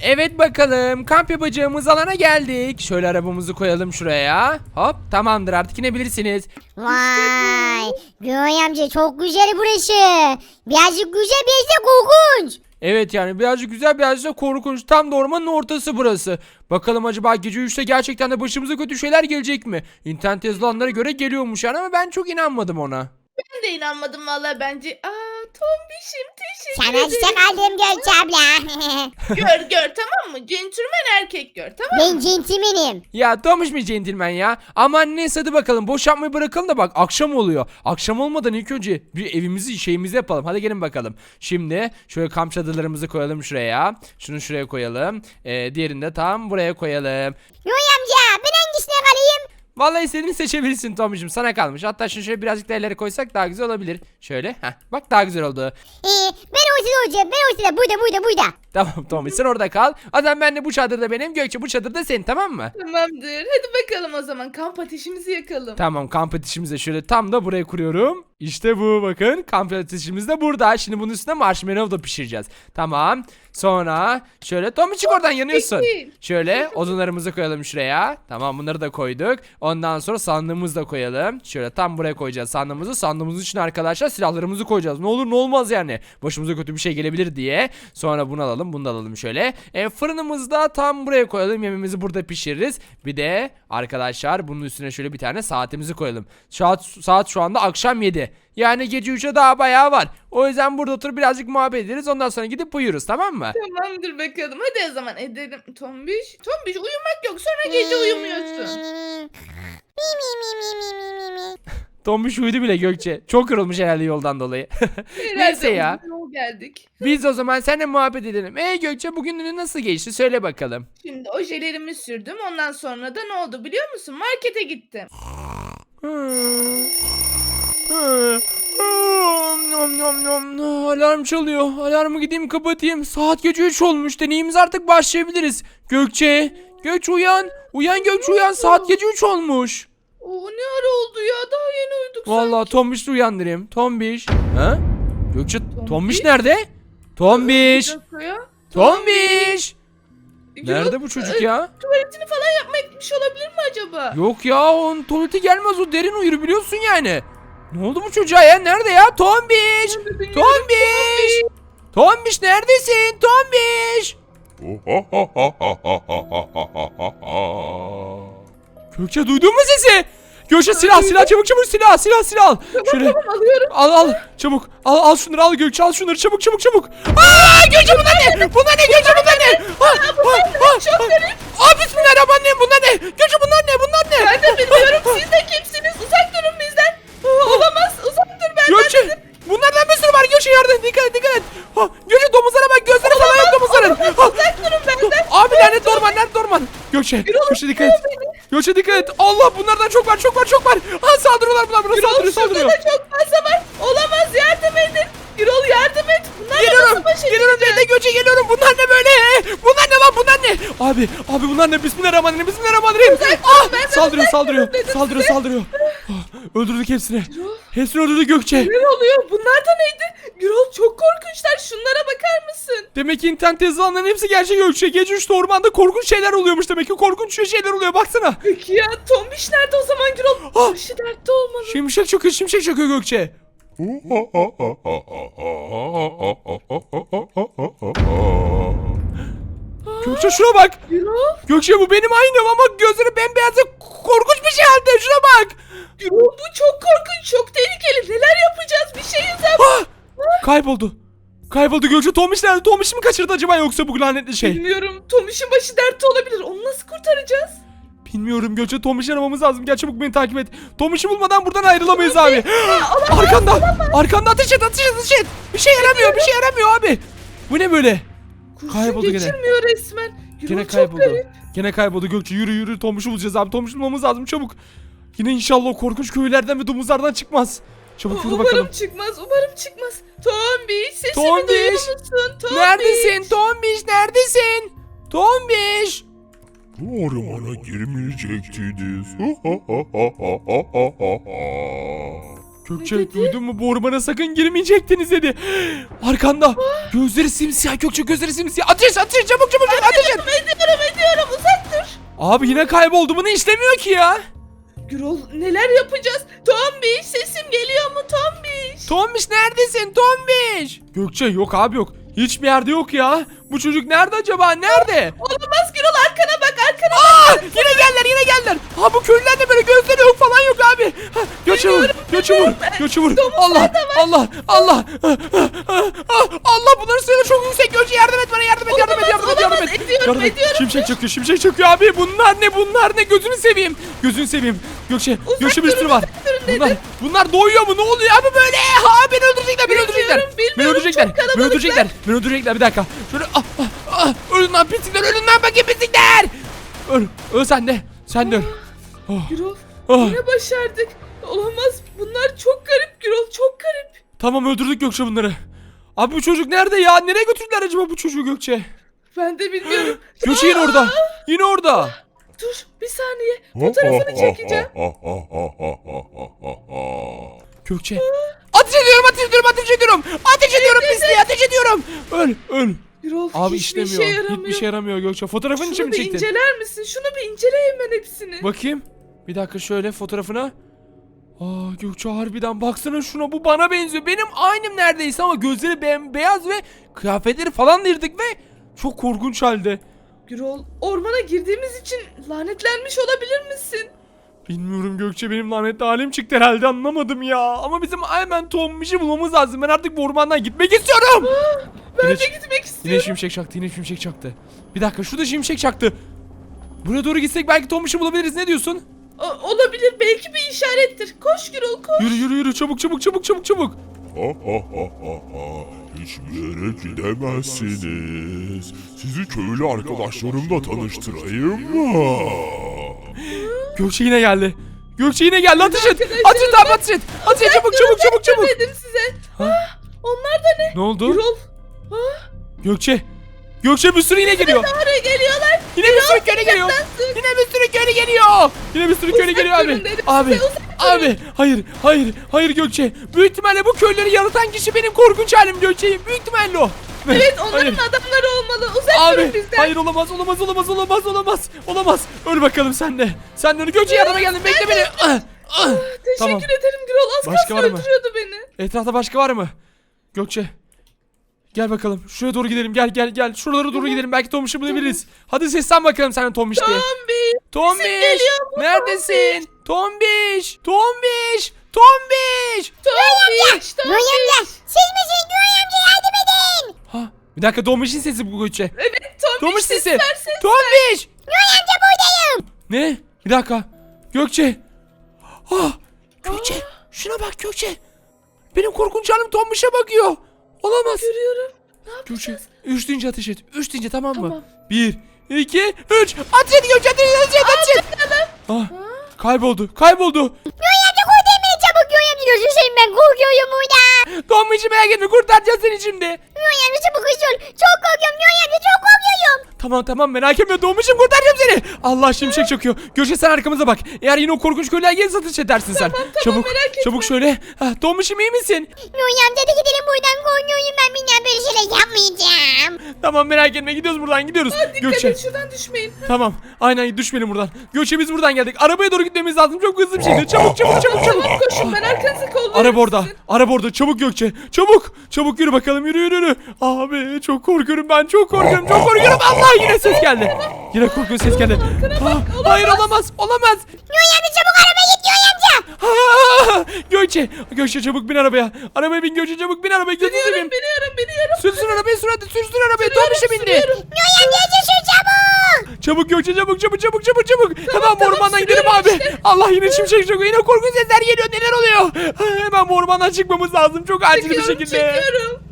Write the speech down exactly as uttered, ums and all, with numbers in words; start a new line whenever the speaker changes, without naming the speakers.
Evet bakalım, kamp yapacağımız alana geldik. Şöyle arabamızı koyalım şuraya. Hop, tamamdır, artık inebilirsiniz.
Vay. Göğe amca çok güzel burası. Birazcık güzel biraz da korkunç.
Evet, yani birazcık güzel, birazcık da korkunç. Tam da ormanın ortası burası. Bakalım acaba gece üçte gerçekten de başımıza kötü şeyler gelecek mi? İnternet yazılanlara göre geliyormuş yani, ama ben çok inanmadım ona.
Ben de inanmadım valla bence. Aa Tombiş'im teşekkür
Sana
ederim.
çiçek aldım Gökçe abla.
Gör gör tamam mı? Centilmen erkek gör tamam mı?
Ben centilmenim.
Ya Tomuş mu centilmen ya? Aman neyse, hadi bakalım, boş yapmayı bırakalım da bak akşam oluyor. Akşam olmadan ilk önce bir evimizi şeyimizi yapalım. Hadi gelin bakalım. Şimdi şöyle kamp çadırlarımızı koyalım şuraya. Şunu şuraya koyalım. Ee, diğerini de tam buraya koyalım.
Göğe amca ben hangisine kalayım?
Vallahi istediğini seçebilirsin Tomuş'um, sana kalmış. Hatta şunu şöyle birazcık da ileri koysak daha güzel olabilir. Şöyle, heh, bak daha güzel oldu.
Ee, ben ortada olacağım. Ben ortada. Burada burada burada.
Tamam Tomuş, sen orada kal. O zaman ben de bu çadırda benim, Gökçe bu çadırda senin, tamam mı?
Tamamdır. Hadi bakalım o zaman kamp ateşimizi yakalım.
Tamam, kamp ateşimizi de şöyle tam da buraya kuruyorum. İşte bu, bakın kamp ateşimiz de burada. Şimdi bunun üstüne marshmallow da pişireceğiz. Tamam. Sonra şöyle Tomuş, çık oradan, yanıyorsun.
Peki.
Şöyle odunlarımızı koyalım şuraya. Tamam, bunları da koyduk. Ondan sonra sandığımızı da koyalım. Şöyle tam buraya koyacağız sandığımızı. Sandığımızın içine arkadaşlar silahlarımızı koyacağız. Ne olur ne olmaz yani. Başımıza kötü bir şey gelebilir diye. Sonra bunu alalım, bunu da alalım şöyle. E, fırınımızı da tam buraya koyalım. Yemeğimizi burada pişiririz. Bir de arkadaşlar bunun üstüne şöyle bir tane saatimizi koyalım. Saat, saat şu anda akşam yedi. Yani gece üçe daha bayağı var. O yüzden burada oturup birazcık muhabbet ederiz. Ondan sonra gidip uyuruz, tamam mı?
Tamamdır bakalım. Hadi o zaman edelim. Tombiş. Tombiş uyumak yok. Sonra gece uyumuyorsun.
Mi mi mi mi mi mi mi mi.
Tombiş uyudu bile Gökçe. Çok yorulmuş herhalde yoldan dolayı. Neyse ya.
uzun yol geldik.
Biz o zaman seninle muhabbet edelim. Ey Gökçe, bugün günün nasıl geçti? Söyle bakalım.
Şimdi ojelerimi sürdüm. Ondan sonra da ne oldu biliyor musun? Markete gittim.
Nom nom nom. Alarm çalıyor. Alarmı gideyim kapatayım. Saat gece üç olmuş. Deneyimiz artık başlayabiliriz. Gökçe. Gökçe uyan. Uyan Gökçe uyan. Saat gece üç olmuş.
Oo ne ara oldu ya? Daha yeni uyuduk
Vallahi Tombiş'i uyandırayım. Tombiş. Ha? Gökçe, Tombiş,
Tombiş
nerede? Tombiş.
Bir dakika ya.
Tombiş.
Gürol,
Nerede bu çocuk
e,
ya?
Tuvaletini falan yapmaya gitmiş olabilir mi acaba?
Yok ya, onun tuvaleti gelmez, o derin uyur biliyorsun yani. Ne oldu bu çocuğa ya? Nerede ya? Tombiş! Tombiş! Tombiş neredesin? Tombiş! Gökçe, duydun mu sesi? Gökçe, silah silah, çabuk çabuk, silah silah silah al. Şöyle
Tamam alıyorum.
al al çabuk. Al al şunları, al Gökçe, al şunları çabuk çabuk çabuk. Aa Gökçe, bunlar ne? Bunlar ne Gökçe, bunlar ne? Ha, ha, ha,
Çok garip.
Aa bismillahirrahmanirrahim, bunlar ne? Gökçe, bunlar ne? Bunlar ne?
Ben de bilmiyorum. Siz de kimsiniz? Uzak durun bizden. Olamaz. Uzak dur benden.
Gökçe, bunlardan bir sürü var Gökçe, yardım, dikkat et dikkat et. Ha, Gökçe, domuzlara bak, gözleri falan yok domuzların. Ha,
Uzak durun benden.
abi lanet orman, lanet orman. Gökçe, Gökçe dikkat et. Gökçe dikkat et. Allah, bunlardan çok var, çok var, çok var. Ha, saldırıyorlar bunlar, buna saldırıyor,
Şurada
saldırıyor.
da çok fazla var. Olamaz. Yardım edin. Gürol yardım et. Bunlarla
Geliyorum,
nasıl baş
geliyorum
edeceğiz?
ben de Gökçe, geliyorum. Bunlar ne böyle? Bunlar ne lan, bunlar ne? Abi, abi bunlar ne? Bismillahirrahmanirrahim, bismillahirrahmanirrahim. Ah, saldırıyor, saldırıyor, saldırıyor, saldırıyor. Ah, öldürdük hepsini. Hepsini öldürdü Gökçe.
Ne oluyor? Bunlar da neydi? Gürol çok korkunçlar. Şunlara bakar mısın?
Demek ki internet yazılanların hepsi gerçek Gökçe. Gece üçte ormanda korkunç şeyler oluyormuş demek ki. Korkunç şeyler oluyor, baksana.
Peki ya Tombiş nerede o zaman Gürol?
Ah!
Başı dertte olmalı.
Şimşek çakıyor, şimşek çakıyor Gökçe. Gökçe şuna bak.
Gürol?
Gökçe, bu benim aynım ama gözleri bembeyaz ve korkunç bir şey halde. Şuna bak.
Gürol bu çok korkunç. Çok tehlikeli. Neler yapacağız? Bir şey yap.
Ah! Kayboldu. Kayboldu Gökçe. Tomiş nerede? Tomiş mi kaçırdı acaba, yoksa bu lanetli şey?
Bilmiyorum. Tomiş'in başı dertte olabilir. Onu nasıl kurtaracağız?
Bilmiyorum Gökçe, Tomiş'i aramamız lazım. Gel çabuk, beni takip et. Tomiş'i bulmadan buradan ayrılamayız abi. Arkanda. Arkanda, ateş et, ateş et, ateş et. Bir şey yaramıyor, bir şey yaramıyor abi. Bu ne böyle?
Kurşun
Kayboldu gene.
geçirmiyor resmen. Gürol
Gene
çok
kayboldu.
garip.
Gene kayboldu Gökçe. Yürü yürü, Tomiş'i bulacağız abi. Tomiş'i bulmamız lazım, çabuk. Yine inşallah o korkunç köylerden ve domuzlardan çıkmaz. Çabuk yürü
Umarım
bakalım.
çıkmaz. Umarım çıkmaz. Tombiş sesimi
Tombiş!
duyuyor musun? Tombiş.
Neredesin Tombiş, neredesin? Tombiş.
Bu ormana girmeyecektiniz.
Gökçe,
Ne dedi?
duydun mu? Bu ormana sakın girmeyecektiniz dedi. Arkanda. Gözleri simsiyah Gökçe, gözleri simsiyah. Ateş, ateş, çabuk çabuk çabuk, ateş Abi yine kayboldu. Bunu işlemiyor ki ya.
Gürol neler yapacağız? Tombiş sesim geliyor mu Tombiş?
Tombiş neredesin Tombiş? Gökçe yok abi yok. Hiçbir yerde yok ya. Bu çocuk nerede acaba? Nerede?
Olamaz Gürol arkana bak arkana
Aa,
bak.
yine geldiler yine geldiler. Ha bu köylüler de böyle gözleri yok falan yok abi. Ha, Gökçe vur. Gökçe vur. Gökçe vur. Allah Allah Allah. Ah, ah, ah, Allah bunların sayıları çok yüksek. Gökçe yardım et bana yardım et yardım et yardım et yardım
Olamaz,
et.
ediyorum,
Yardım et.
ediyorum.
Şimşek çakıyor şimşek çakıyor abi. Bunlar ne bunlar ne gözünü seveyim. Gözünü seveyim. Gökçe Gökçe bir
durun,
sürü var.
uzak durun
Bunlar
dedim.
bunlar doyuyor mu? Ne oluyor abi böyle? Ha beni öldürecekler beni öldürecekler.
Bilmiyorum, bilmiyorum,
Beni öldürecekler.
çok
Beni
kalabalıklar.
öldürecekler. Beni öldürecekler bir dakika. Şöyle ah ah ah. Ölün lan pislikler ölün lan bakayım pislikler. Öl. Öl sen de. Sen de öl. Oh.
Gürol
Ah.
yine başardık. Olamaz bunlar çok garip Gürol çok garip.
Tamam öldürdük Gökçe bunları. Abi bu çocuk nerede ya? Nereye götürdüler acaba bu çocuğu Gökçe?
Ben de bilmiyorum.
Gökçe yine
Aa,
orada. Yine orada.
Dur bir saniye fotoğrafını çekeceğim.
Gökçe. Ateş ediyorum ateş ediyorum ateş ediyorum. Ateş ediyorum pisliğe ateş ediyorum. Öl öl.
Gürol
Abi
hiçbir
işlemiyor.
şey yaramıyor.
Hiçbir şey yaramıyor Gökçe. Fotoğrafın için
Şunu
mi
bir
çektin?
inceler misin? Şunu bir incele hemen hepsini.
Bakayım. Bir dakika şöyle fotoğrafına. Aa Gökçe harbiden baksana şuna bu bana benziyor. Benim aynım neredeyse ama gözleri bembeyaz ve kıyafetleri falan değirdik ve çok korkunç halde.
Gürol ormana girdiğimiz için lanetlenmiş olabilir misin?
Bilmiyorum Gökçe benim lanetli halim çıktı herhalde anlamadım ya. Ama bizim hemen Tombiş'i bulmamız lazım. Ben artık bu ormandan gitmek istiyorum.
Ben
Yine-
de gitmek
Yine
istiyorum.
şimşek çaktı yine şimşek çaktı. Bir dakika şurada şimşek çaktı. Buraya doğru gitsek belki Tombiş'i bulabiliriz ne diyorsun?
O- olabilir belki bir işarettir. Koş Gürol koş.
Yürü yürü yürü çabuk çabuk çabuk çabuk çabuk.
Hiçbir yere gidemezsiniz. Sizi köylü arkadaşlarımla tanıştırayım mı?
Gökçe yine geldi. Gökçe yine geldi ateş et.
Arkadaşlar,
Ateş et abi ateş et. Ateş et çabuk çabuk çabuk çabuk.
Dedim size.
Ha?
Ah, onlar da ne?
Ne oldu?
Gürol. Ah,
Gökçe. Gökçe bir sürü yine geliyor.
oraya geliyorlar.
Yine bir sürü köylü geliyor. Yine bir sürü köylü geliyor. Yine bir sürü köylü
Uzak
geliyor abi.
durun dedim
Abi.
size, uzak
Abi. Hayır. Hayır. Hayır Gökçe. Büyük ihtimalle bu köyleri yaratan kişi benim korkunç halim Gökçe. Büyük ihtimalle o.
Evet onların
Hayır.
adamları olmalı. Uzak
Abi.
durun bizden.
Hayır olamaz olamaz olamaz olamaz olamaz. Olamaz. Öl bakalım sen de. Sen de öl. Gökçe yardıma geldin. Bekle beni. Ah, ah.
Teşekkür
Tamam.
ederim Gürol. Az
Başka
kalsın
var mı?
öldürüyordu beni.
Etrafta başka var mı? Gökçe. Gel bakalım. Şuraya doğru gidelim. Gel gel gel. Şuralara doğru gidelim. Belki Tombiş'i bulabiliriz. Hadi seslen bakalım sen de Tombiş diye.
Tombiş.
Tombiş.
geliyor mu?
Neredesin? Tombiş. Tombiş. Tombiş.
Tombiş.
Göğe amca siz misiniz Göğe amca yardım edin.
Ha, bir dakika Tombiş'in sesi bu Gökçe.
Evet Tombiş,
Tombiş
ses
sesi.
ver, ses ver.
Tombiş.
Göğe amca buradayım.
Ne? Bir dakika. Gökçe. Ah. Gökçe. Şuna bak Gökçe. Benim korkunç halim Tombiş'e bakıyor. Olamaz.
Görüyorum. Ne
Gökçe.
yapacağız?
Üç deyince ateş et. Üç deyince tamam mı?
Tamam.
Bir, iki, üç. Ateş et Gökçe. Ateş et. Ateş et. Ateş et. Ah. Kayboldu. Kayboldu.
Göğe amca kurtarın beni çabuk Göğe amca gözünü seveyim ben korkuyorum burada.
Tombiş'i merak etme. Kurtaracağız seni şimdi.
Göğe amca çabuk hızlı ol. Çok korkuyorum Göğe amca çok korkuyorum.
Tamam tamam merak etme Tombiş'im kurtaracağım seni. Allah şimşek çakıyor. Gökçe sen arkamıza bak. Eğer yine o korkunç köylüler gelirse ateş edersin sen.
tamam,
çabuk
merak etme.
çabuk şöyle. Ah, Tombiş'im iyi misin?
Göğe amca da gidelim buradan korkuyorum ben bir daha böyle şeyler yapmayacağım.
Tamam merak etme gidiyoruz buradan gidiyoruz.
Dikkat
Gökçe.
et şuradan düşmeyin.
Tamam aynen düşmeyelim buradan. Gökçe biz buradan geldik. Arabaya doğru gitmemiz lazım. Çok hızlı bir şekilde. Çabuk çabuk çabuk çabuk.
Tamam koşun ben arkanızı kollarım.
Araba orada.
sizin.
Araba orada. Çabuk Gökçe. Çabuk. Çabuk yürü bakalım. Yürü yürü yürü. Abi çok korkuyorum ben. Çok korkuyorum. Çok korkuyorum. Allah yine ses geldi. Yine korkunç ses geldi. Ah, hayır olamaz. Olamaz.
Göğe amca çabuk arabaya git Göğe amca.
Ah, Gökçe. Gökçe çabuk bin arabaya. Arabaya bin Gökçe çabuk bin arabaya. Gözünü
Biniyorum
seveyim.
biniyorum biniyorum.
Sürsün arabayı sür hadi. Sürsün arabayı.
Sürüyorum,
Tombiş'e bindi.
sürüyorum.
Göğe amca yetişin çabuk.
Çabuk Gökçe çabuk çabuk çabuk çabuk çabuk. Hemen bu
tamam,
ormandan gidelim
sürüyorum
abi.
işte.
Allah yine şimşek çakıyor. Yine korkunç sesler geliyor. Neler oluyor? Ah, hemen bu ormandan çıkmamız lazım. Çok acil bir
Çekiyorum
şekilde.
çekiyorum.